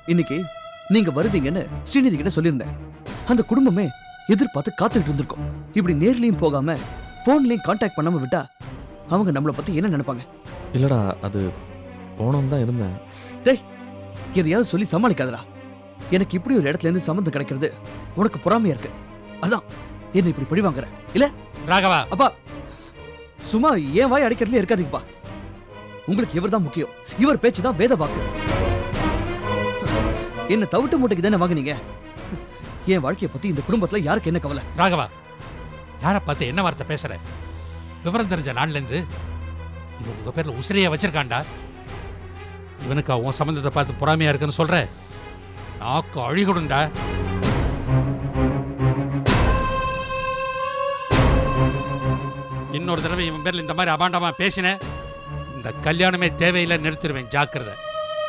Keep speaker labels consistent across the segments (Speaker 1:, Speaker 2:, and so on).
Speaker 1: இன்னைக்கு நீங்க வருவீங்கன்னு ஸ்ரீநிதி கிட்ட சொல்லியிருந்தேன். அந்த குடும்பமே எதிர்பார்த்து காத்துக்கிட்டு இருந்திருக்கும். இப்படி நேர்லயும் போகாம போன்லயும் கான்டாக்ட் பண்ணாம விட்டா அவங்க நம்மளை பத்தி என்ன நினைப்பாங்க?
Speaker 2: இல்லடா, அது போனோம் தான் இருந்தேன்.
Speaker 1: டேய், எதையாவது சொல்லி சமாளிக்காதடா. எனக்கு இப்படி ஒரு இடத்துல இருந்து சம்மந்தம் கிடைக்கிறது உனக்கு பொறாமையா இருக்கு. அதான் என்ன இப்படி பழி வாங்குற இல்ல?
Speaker 3: ராகவா,
Speaker 1: அப்பா சும்மா ஏன் வாய் அடிக்கிறதுல இருக்காதீங்கப்பா. உங்களுக்கு இவர் தான் முக்கியம். இவர் பேச்சு தான் வேத வாக்கு. என்ன தவிட்டு மூட்டைக்கு தானே வாங்குனீங்க. என் வாழ்க்கையை பத்தி இந்த குடும்பத்துல யாருக்கு என்ன கவலை?
Speaker 3: ராகவா, யாரை பார்த்து என்ன வார்த்தை பேசுற? விவரம் தெரிஞ்ச நாள்ல இருந்து இவன் உங்க பேர்ல உசிரியா வச்சிருக்கான்டா. இவனுக்கு உன் சம்பந்தத்தை பார்த்து பொறாமையா இருக்குன்னு சொல்ற? நாக்கு அழிகொடுண்டா. இன்னொரு தடவை இவன் பேர்ல இந்த மாதிரி அபாண்டமா பேசின, இந்த கல்யாணமே தேவையில்லை, நிறுத்திடுவேன். ஜாக்கிரதை.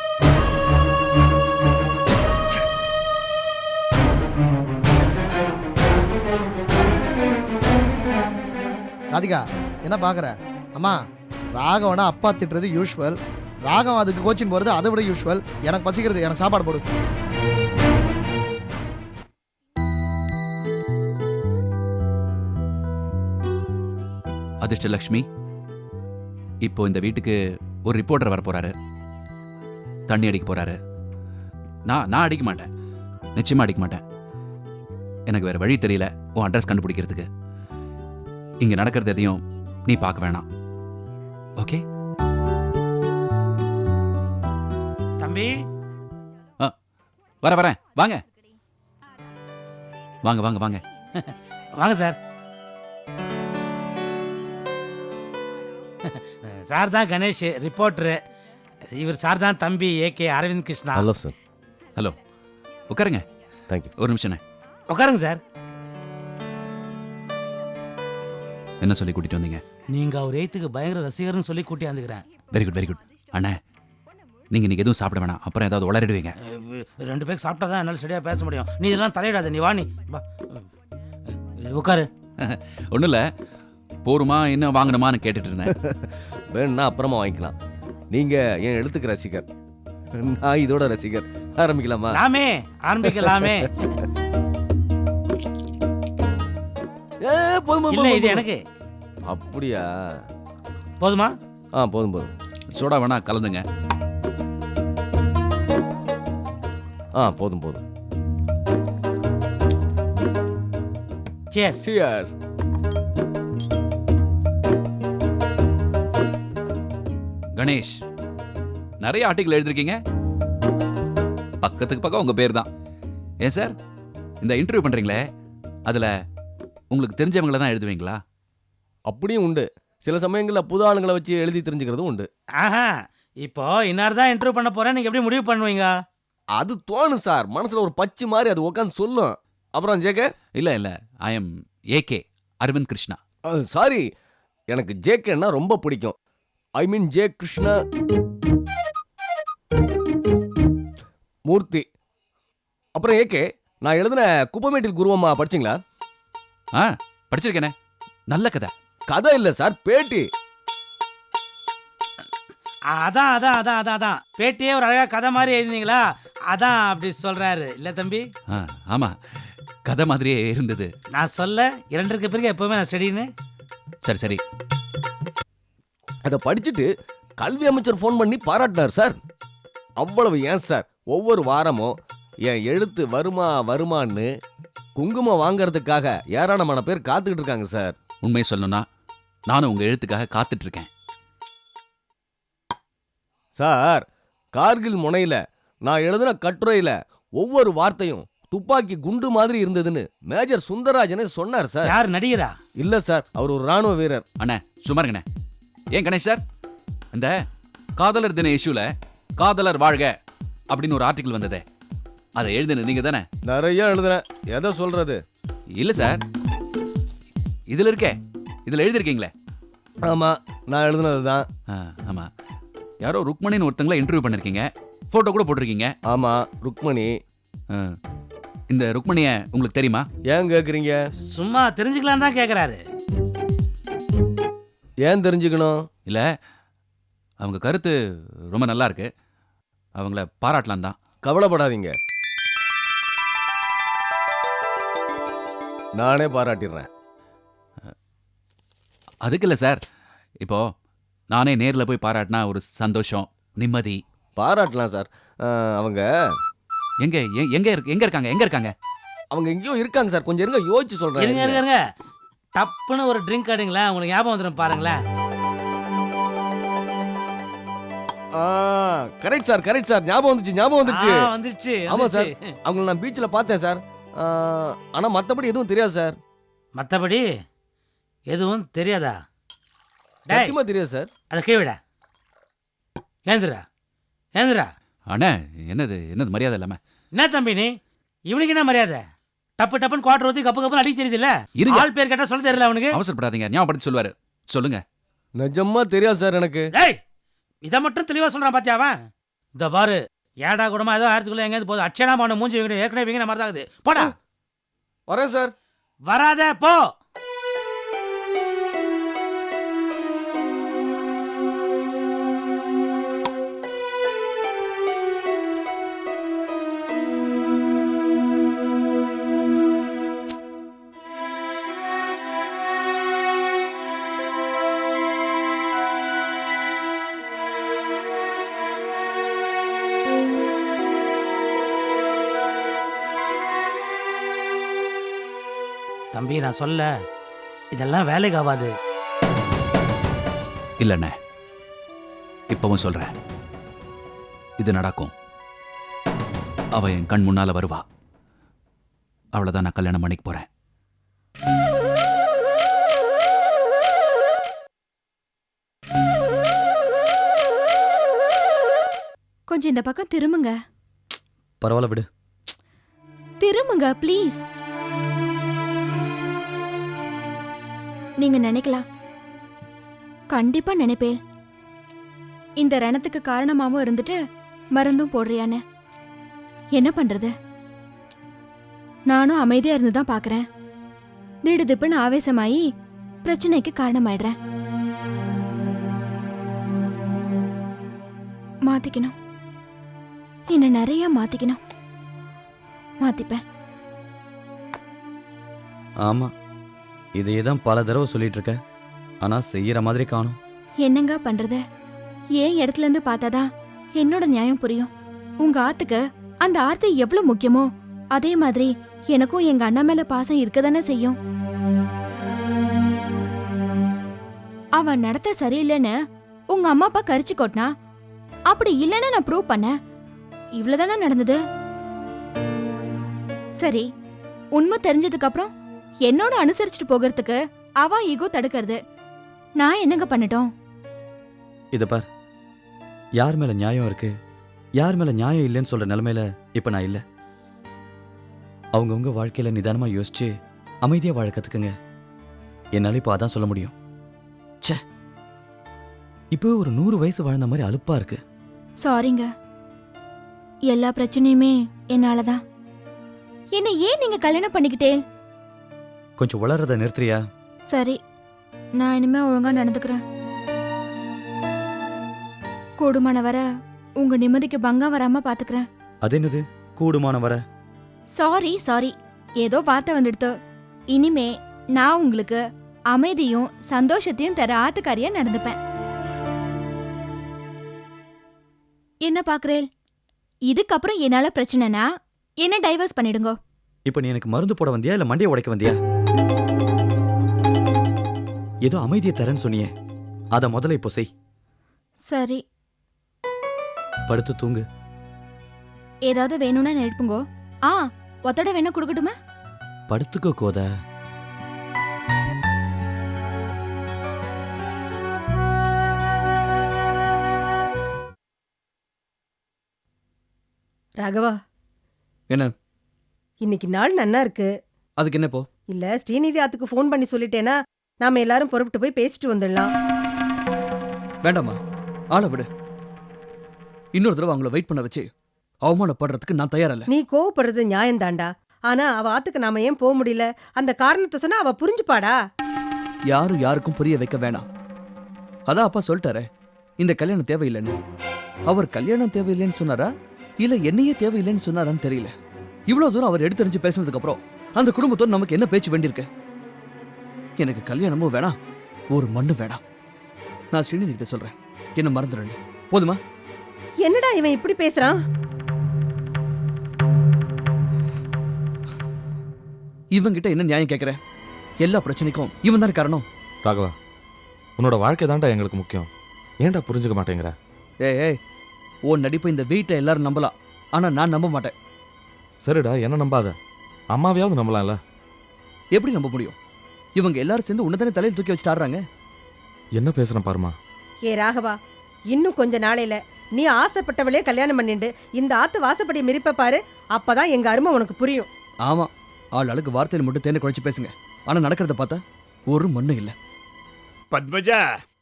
Speaker 4: ராதிகா, என்ன பார்க்குற? அம்மா, ராகவனா அப்பா திட்டுறது யூஸ்வல். ராகவன் அதுக்கு கோச்சிங் போகிறது அதை விட யூஸ்வல். எனக்கு பசிக்கிறது, எனக்கு சாப்பாடு போடு.
Speaker 5: அதிர்ஷ்டலக்ஷ்மி, இப்போ இந்த வீட்டுக்கு ஒரு ரிப்போர்ட்டர் வர போறாரு. தண்ணி அடிக்க போறாரு. நான் அடிக்க மாட்டேன், நிச்சயமா அடிக்க மாட்டேன். எனக்கு வேற வழி தெரியல உன் அட்ரஸ் கண்டுபிடிக்கிறதுக்கு. இங்க நடக்கிறது எதையும் நீ பார்க்க வேணாம். ஓகே
Speaker 3: தம்பி?
Speaker 5: வரேன். வாங்க வாங்க வாங்க வாங்க
Speaker 6: வாங்க சார். சார் தான் கணேஷ், ரிப்போர்ட்டரு. இவர் சார் தான் தம்பி AK Aravind Krishna.
Speaker 2: Hello sir.
Speaker 5: Hello, உட்காருங்க.
Speaker 2: தேங்க்யூ.
Speaker 5: ஒரு நிமிஷம்.
Speaker 6: உட்காருங்க சார்.
Speaker 5: என்ன சொல்லி கூட்டிட்டு வந்தீங்க?
Speaker 6: நீங்க அவர் எய்த்துக்கு பயங்கர ரசிகர்னு சொல்லி கூட்டி வந்துக்கிறேன்.
Speaker 5: Very good very good. அண்ணே, நீங்க இன்னைக்கு எதுவும் சாப்பிட வேணாம், அப்புறம் ஏதாவது உளறிடுவீங்க.
Speaker 6: 2 பேருக்கு சாப்பிட்டா தான் என்னால் சரியாக பேச முடியும். நீ இதெல்லாம் தலையிடாத, நீ வா. நீ வா, உட்காரு.
Speaker 5: ஒன்றும் இல்லை, போருமா இன்னும் வாங்கணுமான்னு கேட்டுட்டு இருந்தேன்.
Speaker 2: வேணும்னா அப்புறமா வாங்கிக்கலாம். நீங்கள் என் எழுத்துக்கு ரசிகர், நான் இதோட ரசிகர். ஆரம்பிக்கலாமா?
Speaker 6: ஆரம்பிக்கலாமே. இல்ல, இது எனக்கு.
Speaker 2: அப்படியா?
Speaker 6: போதுமா?
Speaker 2: போதும்.
Speaker 5: சோடா வேணா கலந்துங்க.
Speaker 2: போதும்.
Speaker 6: Cheers.
Speaker 2: Cheers.
Speaker 5: கணேஷ், நிறைய ஆர்டிகல் எழுதிருக்கீங்க. பக்கத்துக்கு பக்கம் உங்க பேர் தான். ஏன் சார், இந்த இன்டர்வியூ பண்றீங்களே, அதுல உங்களுக்கு தெரிஞ்சவங்கள தான் எழுதுவீங்களா?
Speaker 2: அப்படியும் உண்டு. சில சமயங்களில் புது ஆளுங்களை வச்சு எழுதி தெரிஞ்சுக்கிறதும் உண்டு.
Speaker 6: இப்போ இன்னார் தான் இன்டர்வியூ பண்ண போறேன், நீங்க எப்படி முடிவு பண்ணுவீங்க?
Speaker 2: அது தோணும் சார், மனசுல ஒரு பச்சு மாதிரி அது உட்காந்து சொல்லும். அப்புறம் ஜேகே?
Speaker 5: இல்ல, I am AK Aravind Krishna.
Speaker 2: Sorry, எனக்கு ஜேகேன்னா ரொம்ப பிடிக்கும். I mean J Krishna Murthy. அப்புறம் ஏகே, நான் எழுதின குப்பமேட்டில் குருவம்மா படிச்சிங்களா?
Speaker 5: படிச்சிருக்கேனே, நல்ல கதை.
Speaker 2: கதை இல்ல சார், பேட்டி.
Speaker 6: அதான் பேட்டியே ஒரு அழகா கதை மாதிரி எழுதினீங்களா? அதான் அப்படி சொல்றாரு இல்ல தம்பி?
Speaker 5: ஆமா, கதை மாதிரியே இருந்தது.
Speaker 6: நான் சொல்ல 2க்கு பிறகு எப்பவுமே நான் ஸ்டடின்னு.
Speaker 5: சரி.
Speaker 2: அதை படிச்சுட்டு கல்வி அமைச்சர் ஃபோன் பண்ணி பாராட்டினார் சார். அவ்வளவு ஏன் சார், ஒவ்வொரு வாரமும் என் எழுத்து வருமான்னு குங்குமம் வாங்கறதுக்காக ஏராளமான பேர் காத்துக்கிட்டு இருக்காங்க சார்.
Speaker 5: உண்மையை சொல்லணும்னா நானும் உங்க எழுத்துக்காக காத்துட்டு இருக்கேன்
Speaker 2: சார். கார்கில் முனையில நான் எழுதின கட்டுரையில ஒவ்வொரு வார்த்தையும் துப்பாக்கி குண்டு மாதிரி இருந்ததுன்னு மேஜர் சுந்தரராஜனே சொன்னார் சார்.
Speaker 6: யார், நடிகரா?
Speaker 2: இல்ல சார், அவர் ஒரு ராணுவ வீரர்.
Speaker 5: அண்ணே சுமாருங்கண்ணே. ஏன் கணேஷ் சார், இந்த காதலர் தின இஷ்யூல காதலர் வாழ்க அப்படின்னு ஒரு ஆர்டிக்கல் வந்ததே, அதை எழுதுன நீங்க தானே?
Speaker 2: நிறைய எழுதுறேன், எதை சொல்றது?
Speaker 5: இல்ல சார், இதுல இருக்கே, இதுல எழுதிருக்கீங்களே.
Speaker 2: ஆமா, நான் எழுதுனதுதான்.
Speaker 5: ஆமா, யாரோ ருக்மணின்னு ஒருத்தங்கள இன்டர்வியூ பண்ணிருக்கீங்க, போட்டோ கூட போட்டிருக்கீங்க.
Speaker 2: ஆமா, ருக்மணி.
Speaker 5: இந்த ருக்மணிய உங்களுக்கு தெரியுமா?
Speaker 2: ஏன் கேக்குறீங்க?
Speaker 6: சும்மா தெரிஞ்சுக்கலாம் தான் கேக்குறாரு.
Speaker 2: ஏன் தெரிஞ்சுக்கணும்?
Speaker 5: இல்ல, அவங்க கருத்து ரொம்ப நல்லா இருக்கு, அவங்கள பாராட்டலாம் தான்.
Speaker 2: கவலைப்படாதீங்க, நானே பாராட்டிடுறேன்.
Speaker 5: அதுக்கு இல்லை சார், இப்போ நானே நேரில் போய் பாராட்டினா ஒரு சந்தோஷம், நிம்மதி.
Speaker 2: பாராட்டலாம் சார். அவங்க
Speaker 5: எங்க இருக்காங்க?
Speaker 2: அவங்க எங்கேயோ இருக்காங்க சார். கொஞ்சம் இருங்க, யோசிச்சு
Speaker 6: இருங்க
Speaker 2: சொல்றேன்.
Speaker 6: இருங்க இருங்க டப்புன்னு ஒரு ட்ரிங்க் ஆடுங்களேன், உங்களுக்கு ஞாபகம் வந்துடும் பாருங்களேன்.
Speaker 2: Correct sir, correct sir. ஞாபகம் வந்துச்சு.
Speaker 6: வந்துருச்சு
Speaker 2: ஆமா சார்.
Speaker 6: வந்துருச்சு.
Speaker 2: அவங்கள நான் பீச்சில் பார்த்தேன் சார். ஆனா மத்தபடி எதுவும் தெரியாது சார்.
Speaker 6: மற்றபடி எதுவும் தெரியாதா? டேய்
Speaker 2: சத்தியமா தெரியாது சார்.
Speaker 6: அதை கீழ ஏந்திரா.
Speaker 5: அண்ணே, என்னது மரியாதை இல்லாம?
Speaker 6: என்ன தம்பி நீ, இவனுக்கு என்ன மரியாதை? டப்புன்னு குவார்டர் ஊற்றி கப்பு அடிக்க தெரியுது இல்ல?
Speaker 5: இருங்க,
Speaker 6: ஆள் பேர் கேட்டா சொல்ல தெரியல அவனுக்கு.
Speaker 5: அவசரப்படாதீங்க, ஞாபகப்படுத்தி சொல்லுவாரு. சொல்லுங்க.
Speaker 2: நிஜமா தெரியாது சார் எனக்கு.
Speaker 6: டேய் இதை மட்டும் தெளிவா சொல்றான் பாத்தியா அவன்? இந்த பாரு, ஏடா கூடமா ஏதோ ஆயிரத்துக்குள்ள எங்கேயாவது போதும் அச்சனா மான மூஞ்சி வைக்கணும், ஏற்கனவே வீங்கின மாதிரி தான் இருக்குது. போடா.
Speaker 2: வரேன் சார்.
Speaker 6: வராத போ. தம்பி நான் சொல்ல, இதெல்லாம் வேலைக்கு ஆகாது.
Speaker 5: இல்லண்ணே, இப்பவும் சொல்றேன், இது நடக்கும். அவ என் கண் முன்னால வருவா. அவளதான் நான் கல்யாணம் பண்ணிக்க போறேன்.
Speaker 7: கொஞ்சம் இந்த பக்கம் திரும்புங்க.
Speaker 1: பரவாயில்ல விடு.
Speaker 7: திரும்புங்க ப்ளீஸ். நீங்க நினைக்கலாம், கண்டிப்பா நினைப்பேன், இந்த ரணத்துக்கு காரணமாவும் இருந்துட்டு மருந்தும் போடுறியான்னு. என்ன பண்றது, நானும் அமைதியா இருந்துதான் பாக்குறேன். திடுதிப்புன்னு ஆவேசமாயி பிரச்சனைக்கு காரணமாயிடுறேன். மாத்திக்கணும், இன்னும் நிறைய மாத்திக்கணும். மாத்திப்பேன்.
Speaker 1: ஆமா, இதையே தான் பல தடவை சொல்லிட்டு இருக்க, ஆனா செய்யற மாதிரி காணும்.
Speaker 7: என்னங்க பண்றது, ஏன் இடத்துல இருந்து பார்த்தாதான் என்னோட நியாயம் புரியும். உங்க ஆத்துக்கு அந்த ஆர்த்தி எவ்வளவு முக்கியமோ அதே மாதிரி எனக்கும் எங்க அண்ணா மேல பாசம் இருக்கதானே செய்யும். அவன் நடத்த சரியில்லைன்னு உங்க அம்மா அப்பா கரிச்சு கொட்டினா, அப்படி இல்லைன்னு நான் ப்ரூவ் பண்ண. இவ்வளவுதானே நடந்தது. சரி, உண்மை தெரிஞ்சதுக்கு அப்புறம் என்னோட அனுசரிச்சுட்டு போகிறதுக்கு அவ ஈகோ தடுக்கிறது. நான் என்னங்க பண்ணட்டும்?
Speaker 1: இத பார், யார் மேல நியாயம் இருக்கு யார் மேல நியாயம் இல்லைன்னு சொல்ற நிலைமையில இப்ப நான் இல்ல. அவங்கவுங்க வாழ்க்கையில நிதானமா யோசிச்சு அமைதியா வாழ கத்துக்குங்க. என்னால இப்ப அதான் சொல்ல முடியும். ச்சே, இப்போ ஒரு 100 வயசு வாழ்ந்த மாதிரி அலுப்பா இருக்கு.
Speaker 7: சாரிங்க, எல்லா பிரச்சனையுமே என்னாலதான். என்ன ஏன் நீங்க கல்யாணம் பண்ணிக்கிட்டே?
Speaker 1: கொஞ்சம் வளர்றத நிறுத்துறியா?
Speaker 7: சரி, நான் இனிமே ஒழுங்கா நடந்துக்கிறேன். கூடுமான வர உங்க நிம்மதிக்கு பங்கம் வராம பாத்துக்கிறேன்.
Speaker 1: அது என்னது கூடுமான வர?
Speaker 7: சாரி, ஏதோ வார்த்தை வந்துடுத்து. இனிமே நான் உங்களுக்கு அமைதியும் சந்தோஷத்தையும் தர ஆத்துக்காரியா நடந்துப்பேன். என்ன பாக்குறேன்? இதுக்கப்புறம் என்னால பிரச்சனைனா என்ன டைவர்ஸ் பண்ணிடுங்க.
Speaker 1: இப்ப நீ எனக்கு மருந்து போட வந்தியா இல்ல மண்டையை உடைக்க வந்தியா? ஏதோ அமைதியை தரேன்னு சொன்னியே, அத முதல்ல இப்போ செய்.
Speaker 7: சரி,
Speaker 1: படுத்து தூங்கு.
Speaker 7: ஏதாவது வேணும்னா எழுப்புங்கோ. ஒத்தட வேணா கொடுக்கட்டுமா?
Speaker 1: படுத்துக்கோ கோத.
Speaker 8: ராகவா,
Speaker 1: என்ன
Speaker 8: இன்னைக்கு நாள் நன்னா இருக்கு.
Speaker 1: அதுக்கு என்ன இப்போ?
Speaker 8: இல்ல ஸ்ரீநிதி ஆத்துக்கு ஃபோன் பண்ணி சொல்லிட்டேனா நாம எல்லாரும் புறப்பட்டு போய் பேசிட்டு வந்துடலாம்.
Speaker 1: வேண்டாமா, ஆளை விடு. இன்னொரு தடவை அவங்கள வெயிட் பண்ண வச்சு அவமானப்படுறதுக்கு நான் தயாரில்ல.
Speaker 8: நீ கோவப்படுறது நியாயம் தாண்டா. ஆனா அவ ஆத்துக்கு நாம ஏன் போக முடியல? அந்த காரணத்தை சொன்னா அவ புரிஞ்சுப்பாடா.
Speaker 1: யாரும் யாருக்கும் புரிய வைக்க வேணாம். அதான் அப்பா சொல்லிட்டாரே, இந்த கல்யாணம் தேவையில்லைன்னு. அவர் கல்யாணம் தேவையில்லைன்னு சொன்னாரா
Speaker 9: இல்ல என்னையே தேவையில்லைன்னு சொன்னாரான்னு தெரியல. இவ்வளவு தூரம் அவர் எடுத்தறிஞ்சு பேசினதுக்கு அப்புறம் அந்த குடும்பத்தோடு நமக்கு என்ன பேச்சு வேண்டியிருக்கு? எனக்கு கல்யாணமும் வேணாம், ஒரு மண்ணு வேணாம். நான் ஸ்ரீநிதி கிட்ட சொல்றேன், என்ன மறந்துடுங்க. போதுமா?
Speaker 8: என்னடா இவன் இப்படி பேசுறான்?
Speaker 9: இவங்கிட்ட என்ன நியாயம் கேட்கிற? எல்லா பிரச்சனைக்கும் இவன் தான் காரணம்.
Speaker 10: ராகவா, உன்னோட வாழ்க்கை தான்டா எங்களுக்கு முக்கியம். ஏன்டா புரிஞ்சுக்க மாட்டேங்கிற?
Speaker 9: ஏய், உன் நடிப்பை இந்த வீட்டை எல்லாரும் நம்பலாம், ஆனா நான் நம்ப மாட்டேன்.
Speaker 10: சரிடா, என்ன நம்பாத, அம்மாவையாவது நம்பலாம்ல.
Speaker 9: எப்படி நம்ப முடியும்? இவங்க எல்லாரும் சேர்ந்து உன்னதானே தலையில் தூக்கி வச்சுட்டு ஆடுறாங்க.
Speaker 10: என்ன பேசுறேன் பாருமா.
Speaker 8: ஏ ராகவா, இன்னும் கொஞ்ச நாளையில நீ ஆசைப்பட்டவளே கல்யாணம் பண்ணிண்டு இந்த ஆத்து வாசப்படி மிரிப்ப பாரு, அப்பதான் எங்க அருமை உனக்கு புரியும்.
Speaker 9: ஆமா, ஆள் அழுக்கு வார்த்தையில் மட்டும் தேனை குழைச்சு பேசுங்க, ஆனா நடக்கிறத பார்த்தா ஒரு மண்ணு இல்ல.
Speaker 11: பத்மஜா,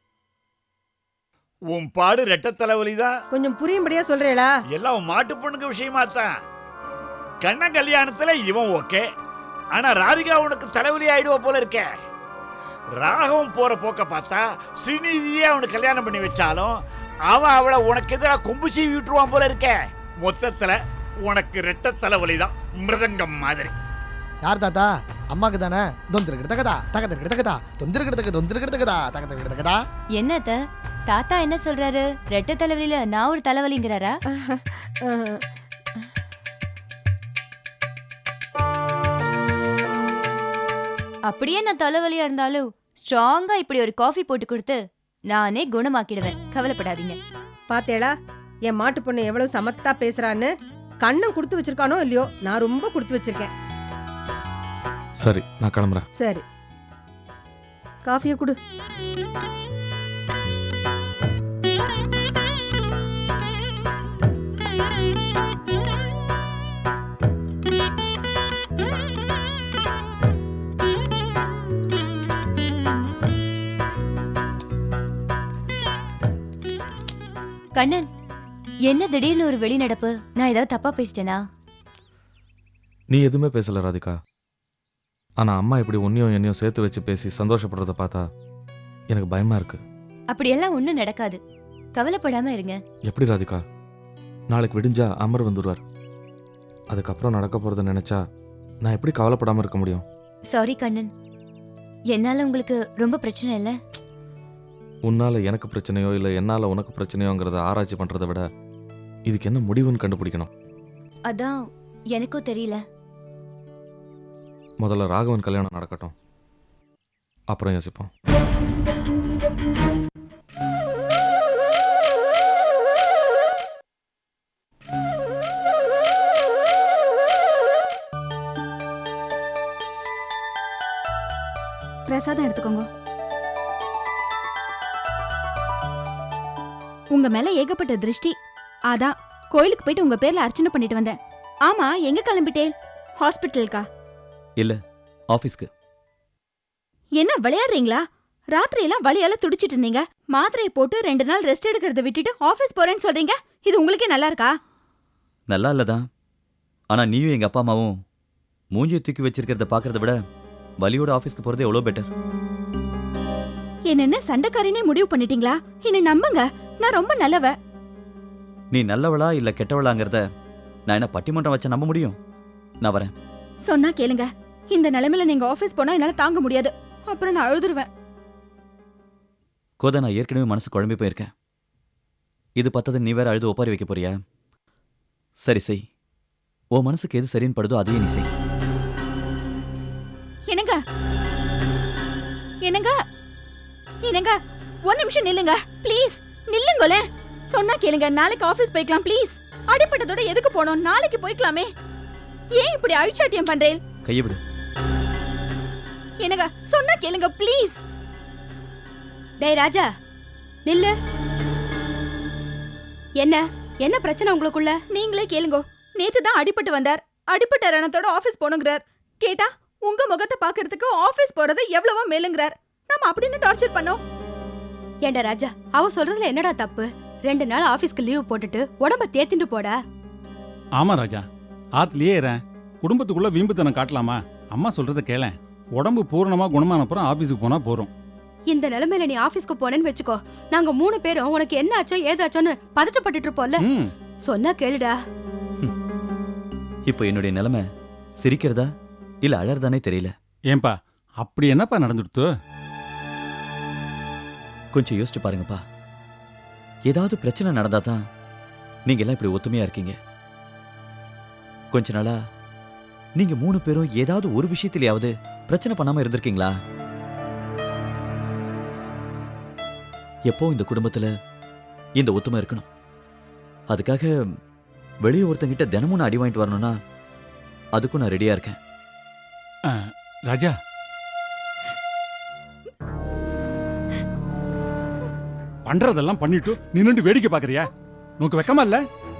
Speaker 11: உன் பாடு ரெட்ட தலைவலிதான்.
Speaker 8: கொஞ்சம் புரியும்படியா சொல்றேளா?
Speaker 11: எல்லாம் உன் மாட்டு பொண்ணுங்க விஷயமா தான். கண்ண கல்யாணத்துல இவன் ஓகே, ஆனா ராதிகா உனக்கு தலைவலி ஆயிடுவ போல இருக்க. ராகவும் போற போக்க பார்த்தா ஸ்ரீநிதியே அவனுக்கு கல்யாணம் பண்ணி வச்சாலும் அவன் அவளை உனக்கு எதிராக கொம்பு சீவி விட்டுருவான் போல இருக்க. மொத்தத்துல உனக்கு ரெட்ட தலைவலி தான், மிருதங்கம் மாதிரி.
Speaker 4: யார் தாத்தா? அம்மாக்கு தானே. தொந்திருக்கிறதா தகதிருக்கிறதா தொந்திருக்கிறதா தகதிருக்கிறதா.
Speaker 12: என்னத்த தாத்தா என்ன சொல்றாரு? ரெட்ட தலைவலியில நான் ஒரு தலைவலிங்கிறாரா? அப்படியே நான் தலைவலியா இருந்தாலும் ஸ்ட்ராங்கா இப்படி ஒரு காஃபி போட்டு கொடுத்து நானே குணமாக்கிடுவேன், கவலைப்படாதீங்க.
Speaker 8: பாத்தேளா என் மாட்டு பொண்ணு எவ்வளவு சமத்தா பேசுறான்னு? கண்ணம் கொடுத்து வச்சிருக்கானோ இல்லையோ, நான் ரொம்ப கொடுத்து வச்சிருக்கேன்.
Speaker 10: சரி, நான் கிளம்புறேன்.
Speaker 8: சரி, காஃபியை கொடு.
Speaker 12: கண்ணன், என்ன திடீர்னு ஒரு வெளிநடப்பு? நான் ஏதாவது தப்பா பேசிட்டேனா?
Speaker 10: நீ எதுவுமே பேசல ராதிகா. ஆனா அம்மா இப்படி உன்னையும் என்னையும் சேர்த்து வச்சு பேசி சந்தோஷப்படுறத பார்த்தா எனக்கு பயமா இருக்கு.
Speaker 12: அப்படியெல்லாம் ஒண்ணும் நடக்காது, கவலைப்படாம இருங்க.
Speaker 10: எப்படி ராதிகா? நாளைக்கு விடிஞ்சா அமர் வந்துடுவார். அதுக்கப்புறம் நடக்க போறத நினைச்சா நான் எப்படி கவலைப்படாம இருக்க முடியும்?
Speaker 12: சாரி கண்ணன், என்னால உங்களுக்கு ரொம்ப பிரச்சனை இல்ல.
Speaker 10: உன்னால எனக்கு பிரச்சனையோ இல்லை என்னால உனக்கு பிரச்சனையோங்கிறத ஆராய்ச்சி பண்றதை விட இதுக்கு என்ன முடிவுன்னு கண்டுபிடிக்கணும்.
Speaker 12: அதான் எனக்கும் தெரியல.
Speaker 10: முதல்ல ராகவன் கல்யாணம் நடக்கட்டும், அப்புறம் யோசிப்போம்.
Speaker 7: பிரசாதம் எடுத்துக்கோங்க. உங்க மேல ஏகப்பட்ட திருஷ்டி, அதான் கோயிலுக்கு போயிட்டு உங்க பேர்ல அர்ச்சனை பண்ணிட்டு வந்தேன். ஆமா, எங்க கிளம்பிட்டேன்? ஹாஸ்பிட்டலுக்கா?
Speaker 1: இல்ல, ஆபீஸ்க்கு.
Speaker 7: என்ன விளையாடுறீங்களா? ராத்திரி எல்லாம் வலியால துடிச்சிட்டு இருந்தீங்க, மாத்திரையை போட்டு 2 நாள் ரெஸ்ட் எடுக்கிறத விட்டுட்டு ஆபீஸ் போறேன்னு சொல்றீங்க. இது உங்களுக்கே நல்லா இருக்கா?
Speaker 1: நல்லா இல்லதான், ஆனா நீயும் எங்க அப்பா அம்மாவும் மூஞ்சியை தூக்கி வச்சிருக்கிறத பாக்குறத விட வலியோட ஆபீஸ்க்கு போறது எவ்வளவு பெட்டர்.
Speaker 7: என்ன சண்டைக்காரினே முடிவு பண்ணிட்டீங்களா? என்ன நம்புங்க, நான் ரொம்ப நல்லவ.
Speaker 1: நீ நல்லவளா இல்ல கெட்டவளாங்கிறத நான் என்ன பட்டிமன்றம் வச்சா நம்ப முடியும்? நான் வரேன்.
Speaker 7: சொன்னா கேளுங்க, இந்த நிலைமையில நீங்க ஆபீஸ் போனா என்னால தாங்க முடியாது, அப்புறம் நான் அழுதுருவேன்.
Speaker 1: கோதா, நான் ஏற்கனவே மனசு குழம்பி போயிருக்கேன். இது பத்தது நீ வேற அழுது ஒப்பாரி வைக்க போறியா? சரி செய், உன் மனசுக்கு எது சரின்னு படுதோ அதையே நீ செய்.
Speaker 7: என்னங்க என்னங்க என்னங்க, ஒரு நிமிஷம் நில்லுங்க ப்ளீஸ், நில்லுங்களே. சொன்னா கேளுங்க, நாளைக்கு ஆபீஸ் போய்க்கலாம் ப்ளீஸ். அடிப்பட்டதோட எதுக்கு போனோம்? நாளைக்கு போய்க்கலாமே. ஏன் இப்படி அழிச்சாட்டியம் பண்றேன்?
Speaker 1: கையை விடு.
Speaker 7: என்னங்க, சொன்னா கேளுங்க ப்ளீஸ்.
Speaker 8: டேய் ராஜா, நில்லு. என்ன என்ன பிரச்சனை உங்களுக்குள்ள?
Speaker 7: நீங்களே கேளுங்க. நேத்து தான் அடிபட்டு வந்தார், அடிப்பட்ட ரணத்தோட ஆபீஸ் போனுங்கிறார். கேட்டா உங்க முகத்தை பாக்குறதுக்கு ஆபீஸ் போறது எவ்வளவோ மேலுங்கிறார். நாம அப்படின்னு டார்ச்சர் பண்ணோம்.
Speaker 8: ஏண்டா ராஜா, அவ சொல்றதுல என்னடா தப்பு? 2 நாள் ஆபீஸ்க்கு லீவ் போட்டுட்டு உடம்ப தேத்திட்டு போடா.
Speaker 13: ஆமா ராஜா, ஆத்துலயே ஏறேன். குடும்பத்துக்குள்ள வீம்புத்தனம் காட்டலாமா? அம்மா சொல்றத கேளேன். உடம்பு பூரணமா குணமானப்புறம் ஆபீஸுக்கு போனா போறோம்.
Speaker 8: இந்த நிலைமையில நீ ஆபீஸ்க்கு போனேன்னு வெச்சுக்கோ, நாங்க 3 பேரும் உனக்கு என்ன ஆச்சோ ஏதாச்சோன்னு பதட்டப்பட்டுட்டு இருப்போம்ல. சொன்னா கேளுடா.
Speaker 1: இப்போ என்னுடைய நிலைமை சிரிக்கிறதா இல்ல அழறதானே தெரியல.
Speaker 13: ஏன்பா அப்படி என்னப்பா நடந்துடுத்து?
Speaker 1: கொஞ்சம் யோசிச்சு பாருங்கப்பா. ஏதாவது பிரச்சனை நடந்தா தான் நீங்க எல்லாம் இப்படி ஒத்துமையா இருக்கீங்க. கொஞ்ச நாளா நீங்க 3 பேரும் ஏதாவது ஒரு விஷயத்திலேயாவது பிரச்சனை பண்ணாம இருந்திருக்கீங்களா? எப்போ இந்த குடும்பத்துல இந்த ஒத்துமை இருக்கணும். அதுக்காக வெளியே ஒருத்தங்கிட்ட தினமும் நான் அடி வாங்கிட்டு வரணும்னா அதுக்கும் நான் ரெடியா இருக்கேன்.
Speaker 13: ராஜா, பண்றதெல்லாம் பண்ணிட்டு நின்னுட்டு வேடிக்கை பாக்குறியா? உனக்கு வெக்கமா இல்ல?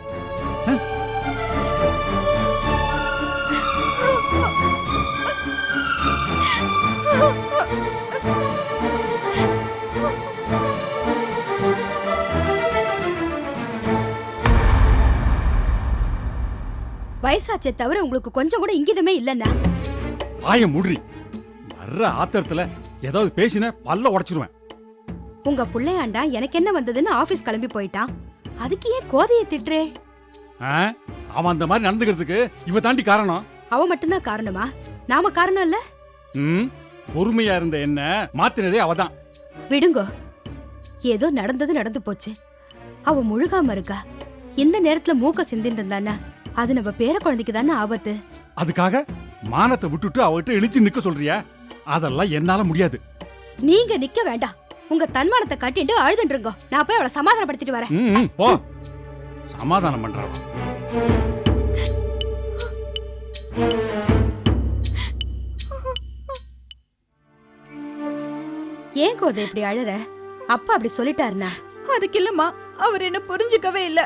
Speaker 8: வயசாச்சே தவிர உங்களுக்கு கொஞ்சம் கூட இங்கிதமே இல்லைன்னா.
Speaker 13: ஆய முடி. வர்ற ஆத்திரத்துல ஏதாவது பேசின பல்ல உடைச்சிருவேன்.
Speaker 8: உங்க புள்ளையாண்டா எனக்கு என்ன வந்ததுன்னு ஆபீஸ் கிளம்பி போயிட்டான். அதுக்கு ஏன் கோதையை திட்டுறே?
Speaker 13: அவன் அந்த மாதிரி நடந்துக்கிறதுக்கு இவ தாண்டி காரணம்.
Speaker 8: அவ மட்டும்தான் காரணமா? நாம காரணம் இல்ல?
Speaker 13: பொறுமையா இருந்த என்ன மாத்தினதே அவதான்.
Speaker 8: விடுங்கோ, ஏதோ நடந்தது நடந்து போச்சு. அவ முழுகாம இருக்கா. இந்த நேரத்துல மூக்க சிந்தின்னு இருந்தானா அது நம்ம பேர குழந்தைக்கு தானே ஆபத்து.
Speaker 13: அதுக்காக மானத்தை விட்டுட்டு அவகிட்ட இழிச்சு நிக்க சொல்றியா? அதெல்லாம் என்னால முடியாது.
Speaker 8: நீங்க நிக்க வேண்டாம். உங்க தன்மானத்தை கட்டிட்டு அழுதுன்றீங்க. நான் போய் அவளை சமாதானப்படுத்திட்டு வரேன்.
Speaker 13: போ. சமாதானம் பண்றான்.
Speaker 8: ஏன் கோதை இப்படி அழற? அப்பா அப்படி சொல்லிட்டாருனா?
Speaker 7: அதுக்கு இல்லம்மா, அவர் என்ன புரிஞ்சுக்கவே இல்ல.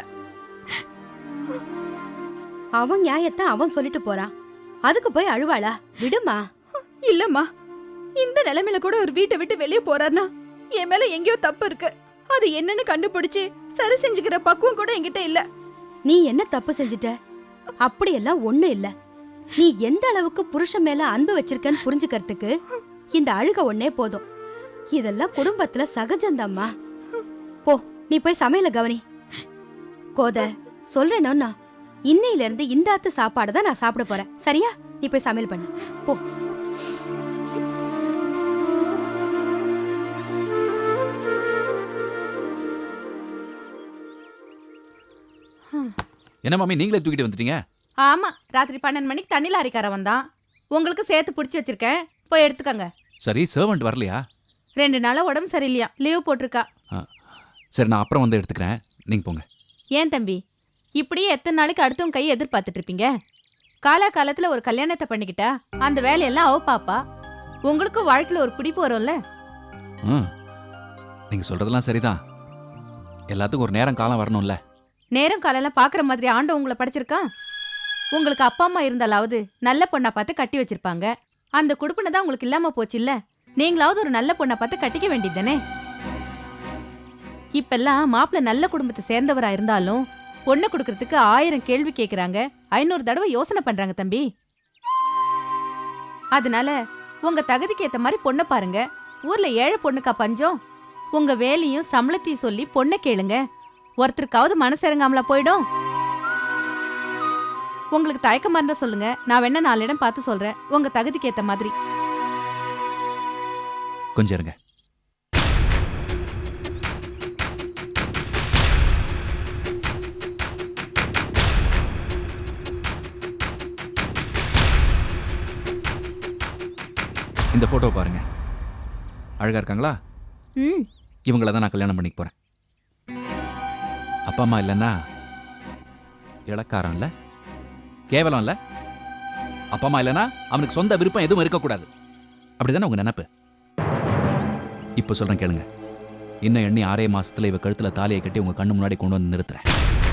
Speaker 8: அவன் நியாயத்தை அவன் சொல்லிட்டு போறான். அதுக்கு போய் அழுவாளா? விடுமா.
Speaker 7: இல்லம்மா, இந்த நிலைமையில கூட ஒரு வீட்டை விட்டு வெளியே போறாருனா என் மேல எங்கேயோ தப்பு இருக்கு. அது என்னன்னு கண்டுபிடிச்சு சரி செஞ்சுக்கிற பக்குவம் கூட என்கிட்ட இல்ல.
Speaker 8: நீ என்ன தப்பு செஞ்சுட்ட? அப்படியெல்லாம் ஒண்ணு இல்ல. நீ எந்த அளவுக்கு புருஷன் மேல அன்பு வச்சிருக்கன்னு புரிஞ்சுக்கிறதுக்கு இந்த அழுக ஒன்னே போதும். இதெல்லாம் குடும்பத்துல சகஜம்தாம்மா. போ, நீ போய் சமையல கவனி. கோத சொல்றேன்னா இன்னையில இருந்து இந்த ஆத்து சாப்பாடு தான் நான் சாப்பிட போறேன். சரியா? நீ போய் சமையல் பண்ணு. போ.
Speaker 5: என்ன மாமி நீங்களே தூக்கிட்டு வந்துட்டீங்க?
Speaker 14: ஆமா, ராத்திரி 12 மணிக்கு தண்ணி லாரிக்கார வந்தான். உங்களுக்கு சேர்த்து பிடிச்சி வச்சிருக்கேன், போய் எடுத்துக்கங்க.
Speaker 5: சரி, சர்வெண்ட் வரலையா?
Speaker 14: 2 நாளா உடம்பு சரியில்லையா, லீவ் போட்டிருக்கா.
Speaker 5: சரி, நான் அப்புறம் வந்து எடுத்துக்கிறேன், நீங்க போங்க.
Speaker 14: ஏன் தம்பி, இப்படியே எத்தனை நாளைக்கு அடுத்தவங்க கையை எதிர்பார்த்துட்டு இருப்பீங்க? காலகாலத்துல ஒரு கல்யாணத்தை பண்ணிக்கிட்டா அந்த வேலையெல்லாம் அவ பாப்பா. உங்களுக்கும் வாழ்க்கையில ஒரு பிடிப்பு வரும்ல.
Speaker 5: நீங்க சொல்றதெல்லாம் சரிதான். எல்லாத்துக்கும் ஒரு நேரம் காலம் வரணும்ல.
Speaker 14: நேரம் காலெல்லாம் பாக்குற மாதிரி ஆண்ட உங்களை படிச்சிருக்கா? உங்களுக்கு அப்பா அம்மா இருந்தாலாவது நல்ல பொண்ணா பார்த்து கட்டி வச்சிருப்பாங்க. அந்த குடுப்பினை தான் உங்களுக்கு இல்லாம போச்சு இல்ல. நீங்களாவது ஒரு நல்ல பொண்ணா பார்த்து கட்டிக்க வேண்டியதுதானே. இப்பெல்லாம் மாப்பிள்ள நல்ல குடும்பத்தை சேர்ந்தவரா இருந்தாலும் பொண்ணை கொடுக்கறதுக்கு 1000 கேள்வி கேட்கறாங்க, 500 தடவை யோசனை பண்றாங்க தம்பி. அதனால உங்க தகுதிக்கு ஏத்த மாதிரி பொண்ணை பாருங்க. ஊர்ல ஏழை பொண்ணுக்கா பஞ்சம்? உங்க வேலையும் சம்பளத்தையும் சொல்லி பொண்ணை கேளுங்க. ஒருத்தருக்காவது மனசு இறங்காமலா போயிடும்? உங்களுக்கு தயக்கமா இருந்தா சொல்லுங்க, நான் வேணா 4 இடம் பார்த்து சொல்றேன், உங்க தகுதிக்கு ஏத்த மாதிரி.
Speaker 5: கொஞ்சம் இருங்க. இந்த போட்டோ பாருங்க, அழகா இருக்காங்களா? இவங்கள தான் நான் கல்யாணம் பண்ணிக்க போறேன். அப்பா அம்மா இல்லைன்னா இளக்காரம் இல்ல, கேவலம் இல்ல. அப்பா அம்மா இல்லைன்னா அவனுக்கு சொந்த விருப்பம் எதுவும் இருக்கக்கூடாது. அப்படிதானே உங்க நினைப்பு? இப்போ சொல்றேன் கேளுங்க. இன்னும் எண்ணி 6 மாசத்துல இவ கழுத்துல தாலியை கட்டி உங்க கண்ணு முன்னாடி கொண்டு வந்து நிறுத்துறேன்.